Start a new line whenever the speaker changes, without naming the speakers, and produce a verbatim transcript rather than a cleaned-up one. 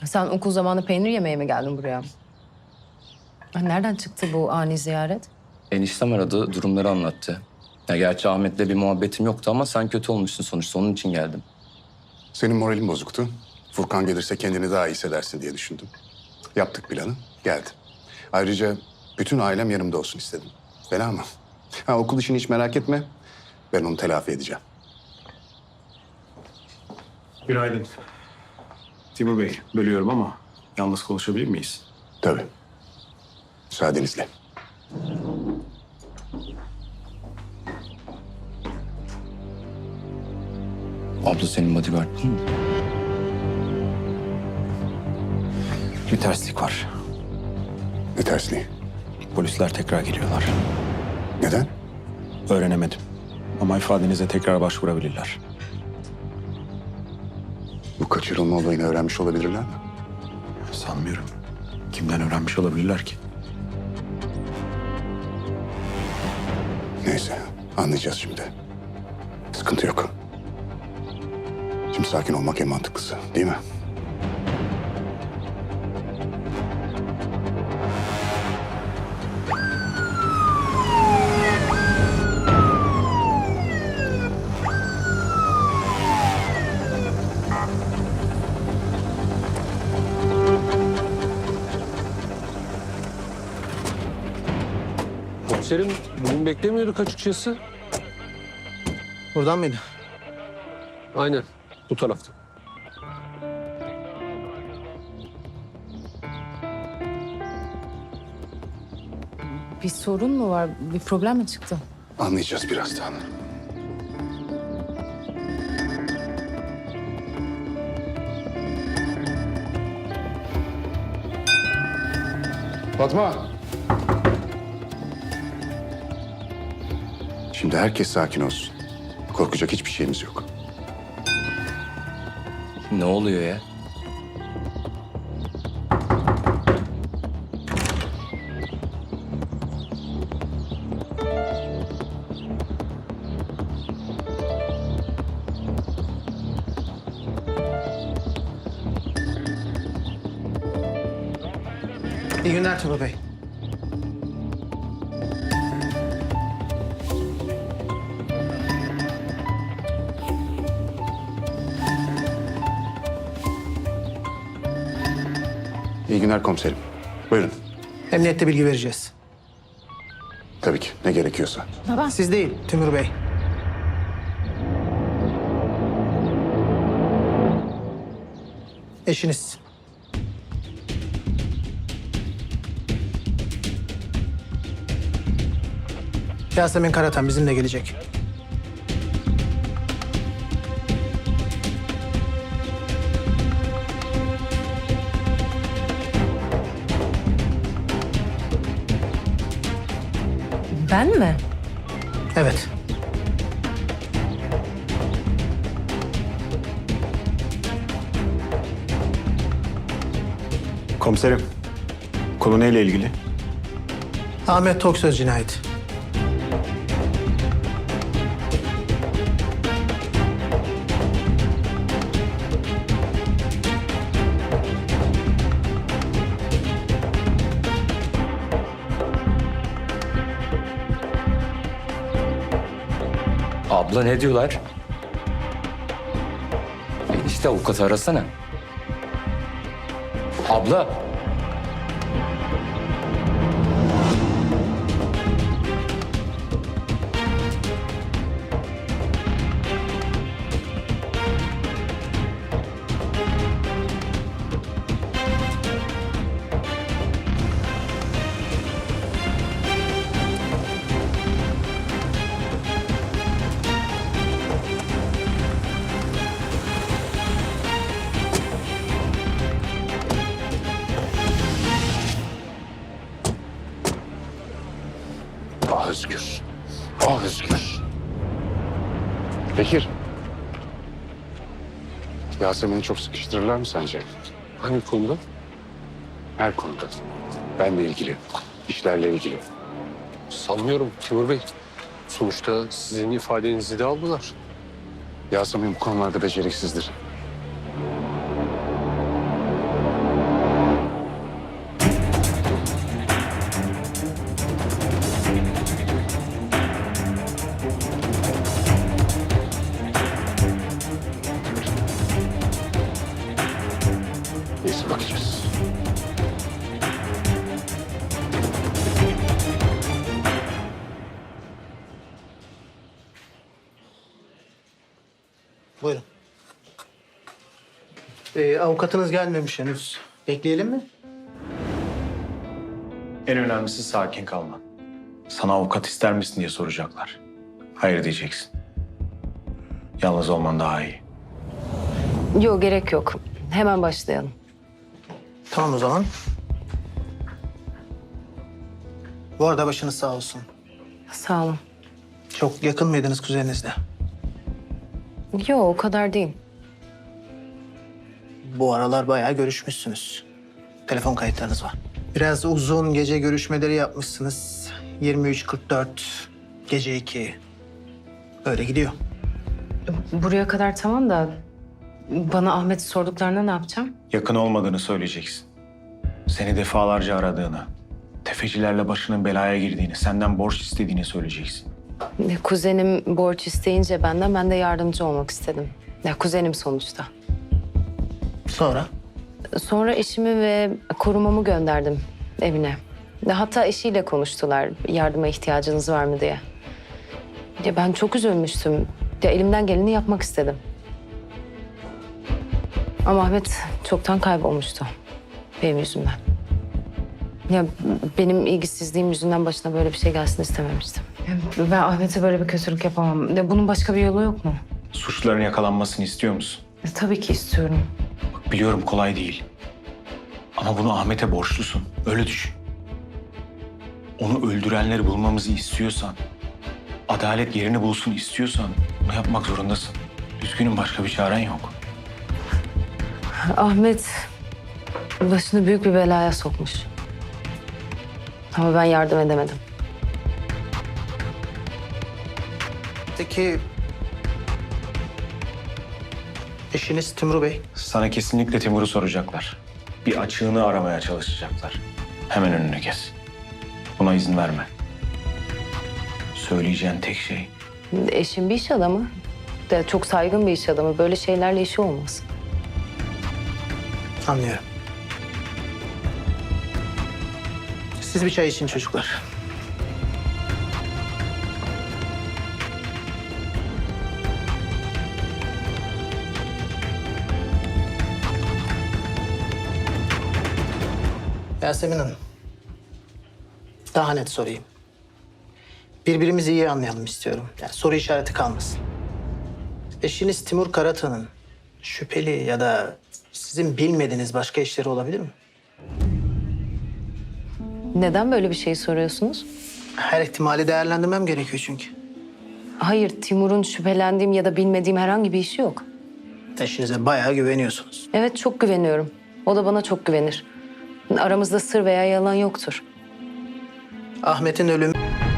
Sen okul zamanı peynir yemeye mi geldin buraya? Ha, nereden çıktı bu ani ziyaret?
Eniştem aradı, durumları anlattı. Ya gerçi Ahmet'le bir muhabbetim yoktu ama sen kötü olmuşsun sonuçta, onun için geldim.
Senin moralin bozuktu. Furkan gelirse kendini daha iyi hissedersin diye düşündüm. Yaptık planı, geldi. Ayrıca bütün ailem yanımda olsun istedim. Fena mı? Ha, okul işini hiç merak etme. Ben onu telafi edeceğim.
Günaydın. Timur Bey, bölüyorum ama yalnız konuşabilir miyiz?
Tabii. Müsaadenizle.
Abla senin bodyguard değil mi?
Bir terslik var.
Ne tersliği?
Polisler tekrar geliyorlar.
Neden?
Öğrenemedim. Ama ifadenize tekrar başvurabilirler.
Bu kaçırılma olayını öğrenmiş olabilirler mi?
Sanmıyorum. Kimden öğrenmiş olabilirler ki?
Neyse, anlayacağız şimdi. Sıkıntı yok. Şimdi sakin olmak en mantıklısı, değil mi?
Komiserim bugün beklemiyorduk açıkçası.
Buradan mıydı?
Aynen bu tarafta.
Bir sorun mu var? Bir problem mi çıktı?
Anlayacağız birazdan. Fatma. Şimdi herkes sakin olsun. Korkacak hiçbir şeyimiz yok.
Ne oluyor ya?
İyi günler Timur Bey.
İyi günler komiserim. Buyurun.
Emniyette bilgi vereceğiz.
Tabii ki ne gerekiyorsa.
Baba.
Siz değil Timur Bey. Eşiniz. Yasemin Karatan bizimle gelecek.
Ben mi?
Evet.
Komiserim, konu neyle ilgili?
Ahmet Toksöz cinayeti.
Abla ne diyorlar? Enişte avukatı arasana. Abla.
Ah Özgür. Ah Özgür. Bekir. Yasemin'i çok sıkıştırırlar mı sence?
Hangi konuda?
Her konuda. Benle ilgili, işlerle ilgili.
Sanmıyorum Timur Bey. Sonuçta sizin ifadenizi de aldılar.
Yasemin bu konularda beceriksizdir. Neyse bakacağız.
Buyurun. Ee, avukatınız gelmemiş henüz. Bekleyelim mi?
En önemlisi sakin kalman. Sana avukat ister misin diye soracaklar. Hayır diyeceksin. Yalnız olman daha iyi.
Yok, gerek yok. Hemen başlayalım.
Tamam o zaman. Bu arada başınız sağ olsun.
Sağ olun.
Çok yakın mıydınız kuzeninizle?
Yok, o kadar değil.
Bu aralar bayağı görüşmüşsünüz. Telefon kayıtlarınız var. Biraz uzun gece görüşmeleri yapmışsınız. yirmi üç kırk dört, gece iki. Böyle gidiyor.
Buraya kadar tamam da bana Ahmet'i sorduklarında ne yapacağım?
Yakın olmadığını söyleyeceksin. Seni defalarca aradığını, tefecilerle başının belaya girdiğini, senden borç istediğini söyleyeceksin.
Kuzenim borç isteyince benden, ben de yardımcı olmak istedim. Ya kuzenim sonuçta.
Sonra?
Sonra eşimi ve korumamı gönderdim evine. Ya hatta eşiyle konuştular, yardıma ihtiyacınız var mı diye. Ya ben çok üzülmüştüm. Ya elimden geleni yapmak istedim. Ama Ahmet çoktan kaybolmuştu benim yüzümden. Ya benim ilgisizliğim yüzünden başına böyle bir şey gelsin istememiştim. Ya ben Ahmet'e böyle bir kötülük yapamam. Ya bunun başka bir yolu yok mu?
Suçluların yakalanmasını istiyor musun?
Ya tabii ki istiyorum.
Bak biliyorum kolay değil. Ama bunu Ahmet'e borçlusun. Öyle düşün. Onu öldürenleri bulmamızı istiyorsan, adalet yerini bulsun istiyorsan bunu yapmak zorundasın. Üzgünüm, başka bir çaren yok.
Ahmet başını büyük bir belaya sokmuş. Ama ben yardım edemedim.
Peki eşiniz Timur Bey?
Sana kesinlikle Timur'u soracaklar. Bir açığını aramaya çalışacaklar. Hemen önünü kes. Buna izin verme. Söyleyeceğin tek şey
Eşim bir iş adamı. De çok saygın bir iş adamı. Böyle şeylerle işi olmaz.
Anlıyorum. Siz bir çay için çocuklar. Yasemin Hanım. Daha net sorayım. Birbirimizi iyi anlayalım istiyorum. Yani soru işareti kalmasın. Eşiniz Timur Karatan'ın şüpheli ya da sizin bilmediğiniz başka işleri olabilir mi?
Neden böyle bir şey soruyorsunuz?
Her ihtimali değerlendirmem gerekiyor çünkü.
Hayır, Timur'un şüphelendiğim ya da bilmediğim herhangi bir işi yok.
Eşinize bayağı güveniyorsunuz.
Evet, çok güveniyorum. O da bana çok güvenir. Aramızda sır veya yalan yoktur.
Ahmet'in ölümü